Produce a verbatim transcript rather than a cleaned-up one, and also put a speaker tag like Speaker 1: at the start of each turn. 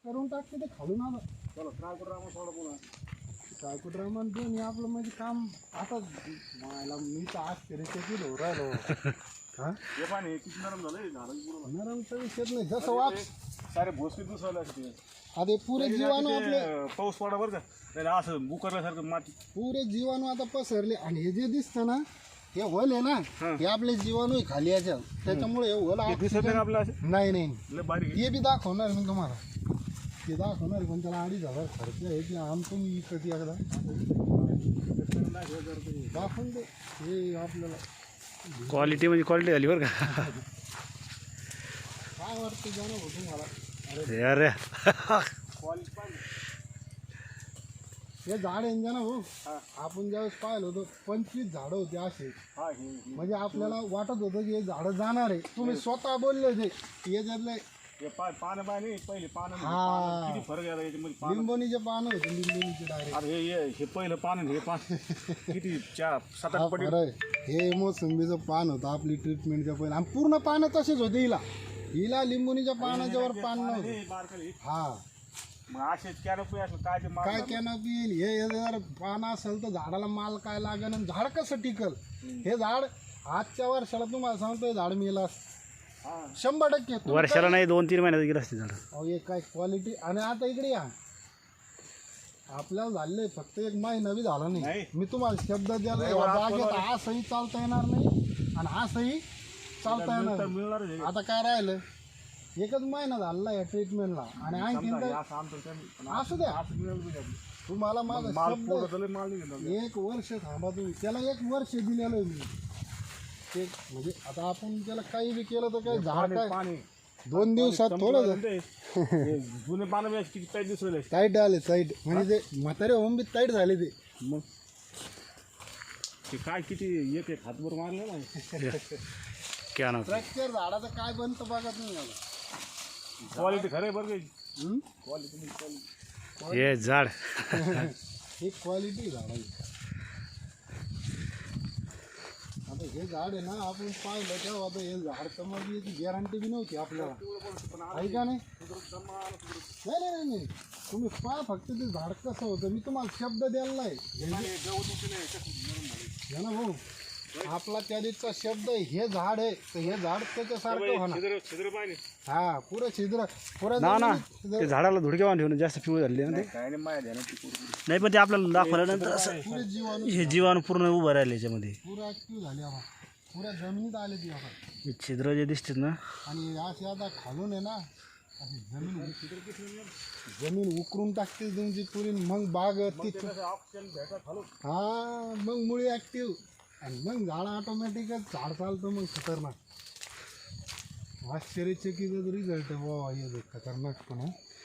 Speaker 1: करून टाकते ते खालून आलं.
Speaker 2: चला ट्रायकोड्रामा सोडा पुन्हा.
Speaker 1: ट्रायकोड्रामा दोन हे आपलं म्हणजे काम आता मला मी तर आश्चर्यचकित होऊ राहिलो. हा
Speaker 2: हे पाणी किती नरम झालं झालं पूर्ण.
Speaker 1: नरमचा विषयच नाही जसं वाच
Speaker 2: सारे भोसकी दुसरं असते.
Speaker 1: आता पुरे जीवाणू आपले
Speaker 2: पाऊस पडा बरं का त्याला असं बुकरल्यासारखं माती
Speaker 1: पुरे जीवाणू आता पसरले. आणि हे जे दिसतं ना हे होल आहे ना हे आपले जीवाणू खाली याच्या त्याच्यामुळे हे होल
Speaker 2: दिसत नाही का आपलं असं
Speaker 1: नाही नाही
Speaker 2: लय बारीक आहे.
Speaker 1: हे बी दाखवणार मी तुम्हाला ते दाखवणार पण त्याला अडीच हजार खर्च आहे की आमचं मी विकत एकदा दाखवून दे हे आपल्याला
Speaker 3: क्वालिटी म्हणजे क्वालिटी झाली बरं का.
Speaker 1: काय वाटतं जाणं हो तुम्हाला.
Speaker 3: अरे
Speaker 2: क्वालिटी पाहिजे.
Speaker 1: हे झाड आहे ना भाऊ आपण ज्यावेळेस पाहिलं होतं पंचवीस झाडं होते असे
Speaker 2: हा हे हे.
Speaker 1: म्हणजे आपल्याला वाटत होतं की हे झाडं जाणार आहे. तुम्ही स्वतः बोलले ते याच्यातले
Speaker 2: हे पा पानं पाणी पहिले पानं म्हणजे
Speaker 1: हा.
Speaker 2: पानं किती फरक आहे याच्यामध्ये पानं.
Speaker 1: लिंबोनीचे पानं होते लिंबोनीचे डायरेक्ट
Speaker 2: आता हे हे हे पहिलं पान आणि हे पान किती चार सात
Speaker 1: हा
Speaker 2: आठ पटी.
Speaker 1: खरं आहे. हे मोसंबीचं पान होतं आपली ट्रीटमेंटच्या पहिलं आणि पूर्ण पानं तसेच होते हिला हिला लिंबोनीच्या पानाच्या वर पान नव्हतं.
Speaker 2: हे बारकाले हे.
Speaker 1: हा
Speaker 2: मग असेच कॅनोपी असलं काय ते
Speaker 1: काय कॅनोपी येईल हे हे जर पान असेल तर झाडाला माल काय लागेल आणि झाड कसं टिकल. हे झाड आजच्या वर्षाला तुम्हाला सांगतो हे झाड मिळेल शंभर टक्के. तुम्ही
Speaker 3: वर्षाला नाही दोन तीन महिन्यात गेलं असते झाड.
Speaker 1: अहो एक काय क्वालिटी. आणि आता इकडे या आपल्याला झाले फक्त एक महिना बी झाला नाही.
Speaker 2: नाही.
Speaker 1: मी तुम्हाला शब्द द्यायला
Speaker 2: नाही,
Speaker 1: या
Speaker 2: बरं,
Speaker 1: जागेत
Speaker 2: आपण-
Speaker 1: असंही चालता येणार नाही आणि असंही चालता येणार
Speaker 2: मिळतं-
Speaker 1: नाही.
Speaker 2: मिळणारच आहे.
Speaker 1: आता काय राहिलं एकच महिना झाला या ट्रीटमेंटला आणि आणखीन
Speaker 2: समजा हे
Speaker 1: तर
Speaker 2: असं आमचं त्यांनी- पण
Speaker 1: असू द्या
Speaker 2: असं मिळालं पाहिजे आपलं.
Speaker 1: तुम्हाला माझा
Speaker 2: माल
Speaker 1: शब्द
Speaker 2: पोरं तर लय माल नाही घेणार.
Speaker 1: एक वर्ष थांबा तुम्ही त्याला एक वर्ष दिलेलं आहे मी ते म्हणजे आता आपण त्याला काही बी केलं तर काय झाड
Speaker 2: पाणी
Speaker 1: काय
Speaker 2: पाणी
Speaker 1: दोन दिवसात थोडं
Speaker 2: ते हे जुने पानं बी असे किती टाईट दिसू राहिले.
Speaker 1: टाईट आले टाईट म्हणजे ते म्हातारे होऊन बी टाईट झाले ते.
Speaker 2: मग ते काय किती एक एक हातभर मारले ना.
Speaker 3: क्या ना
Speaker 1: स्ट्रक्चर झाडाचं काय बनतं बघत नाही मला.
Speaker 2: क्वालिटी खरं आहे बरं काही
Speaker 1: हम्म?
Speaker 2: क्वालिटी.
Speaker 3: हे झाड
Speaker 1: ही क्वालिटी झाडाची. आता हे झाड आहे ना आपण पाहिलं तेव्हा आता हे झाड तर मग याची गॅरंटी बी नव्हती आपल्याला आहे का नाही. नाही नाही नाही नाही तुम्ही पहा फक्त ते झाड कसं होतं मी तुम्हाला शब्द द्यायला आहे हे ना भाऊ आपला त्या दिवसचा शब्द आहे, हे झाड आहे तर हे झाड त्याच्यासारखं होणार.
Speaker 2: छिद्र छिद्र पाहिजे
Speaker 1: हा पुरं छिद्र पुरं
Speaker 3: ना ना
Speaker 1: जमिनीत
Speaker 3: ते झाडाला धुडक्या ठेवून जास्त पिवळे झाले ना ते.
Speaker 2: काय नाही माया ध्यानात ती पोरगी.
Speaker 3: नाही पण ते आपल्याला दाखवल्यानंतर असं
Speaker 1: पुरे जीवाणू
Speaker 3: हे जीवाणू पूर्ण उभं राहिले याच्यामध्ये.
Speaker 1: पुरं ऍक्टिव्ह झाली आपण पुऱ्या जमिनीत आले ती आपण.
Speaker 3: हे छिद्र जे दिसतात ना
Speaker 1: आणि अशी आता खालून आहे ना अशी जमीन जमीन उकरून टाकते तुमची पुरी मग बाग ती
Speaker 2: ऑक्सिजन भेटत खालून.
Speaker 1: हा मग मुळी ऍक्टिव्ह आणि मग झाड ऑटोमॅटिकच झाड चालतं मग खतरनाक. आश्चर्यचकित रिझल्ट आहे बाबा हे खतरनाक पण